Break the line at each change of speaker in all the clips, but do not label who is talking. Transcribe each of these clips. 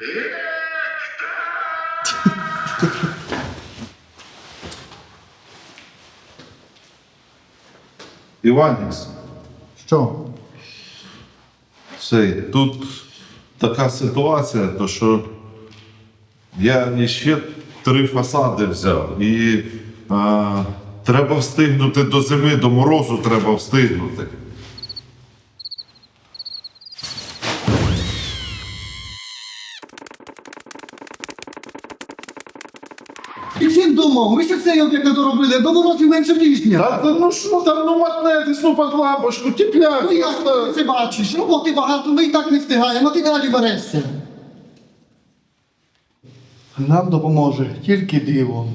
Іванікс,
Що?
тут така ситуація, то що я ще 3 фасади взяв і треба встигнути до зими, до морозу треба встигнути.
І всім думав, ми ще цей об'єкт не доробили, до морозів менше тижня.
Та ну що там, ну матнетись, ну під лампочку, тепляк.
Ну як ти це бачиш? Роботи багато, ми і так не встигаємо, а ти далі берешся. Нам допоможе тільки диво.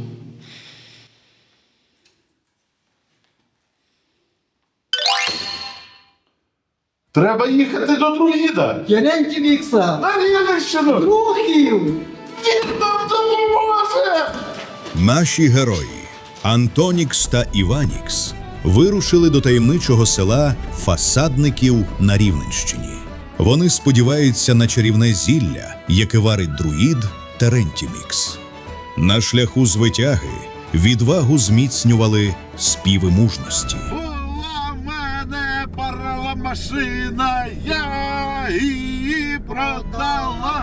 Треба їхати до друїда.
Єренті Вікса!
Навіщо?
Рухів!
Він нам допоможе!
Наші герої Антонікс та Іванікс вирушили до таємничого села Фасадників на Рівненщині. Вони сподіваються на чарівне зілля, яке варить друїд Терентімікс. На шляху звитяги відвагу зміцнювали співи мужності.
Була в мене парова машина, я її продала.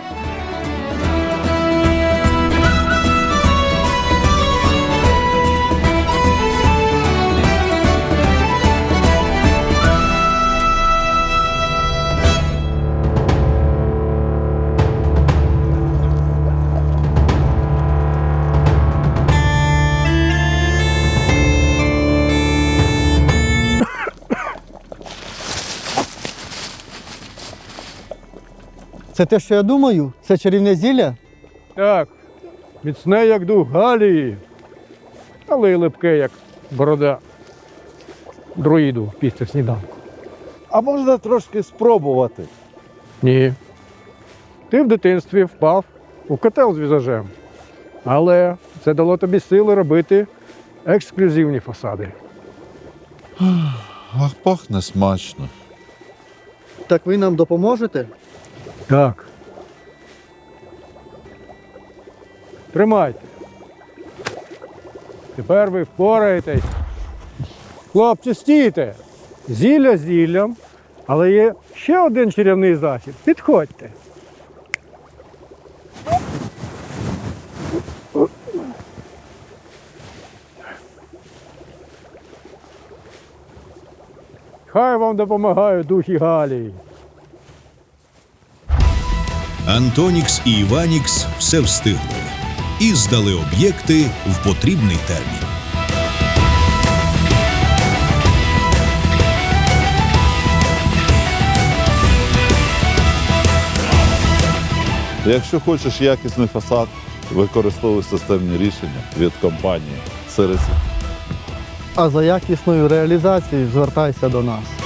Це те, що я думаю? Це чарівне зілля?
Так, міцне, як дух Галії, але й липке, як борода друїду після сніданку.
А можна трошки спробувати?
Ні. Ти в дитинстві впав у котел з візажем, але це дало тобі сили робити ексклюзивні фасади.
Ах, пахне смачно.
Так ви нам допоможете?
Так. Тримайте. Тепер ви впораєтесь. Хлопці, стійте. Зілля зіллям, але є ще один чарівний захід. Підходьте. Хай вам допомагають духи Галії.
Антонікс і Іванікс все встигли і здали об'єкти в потрібний термін.
Якщо хочеш якісний фасад, використовуй системні рішення від компанії Сереси.
А за якісною реалізацією звертайся до нас.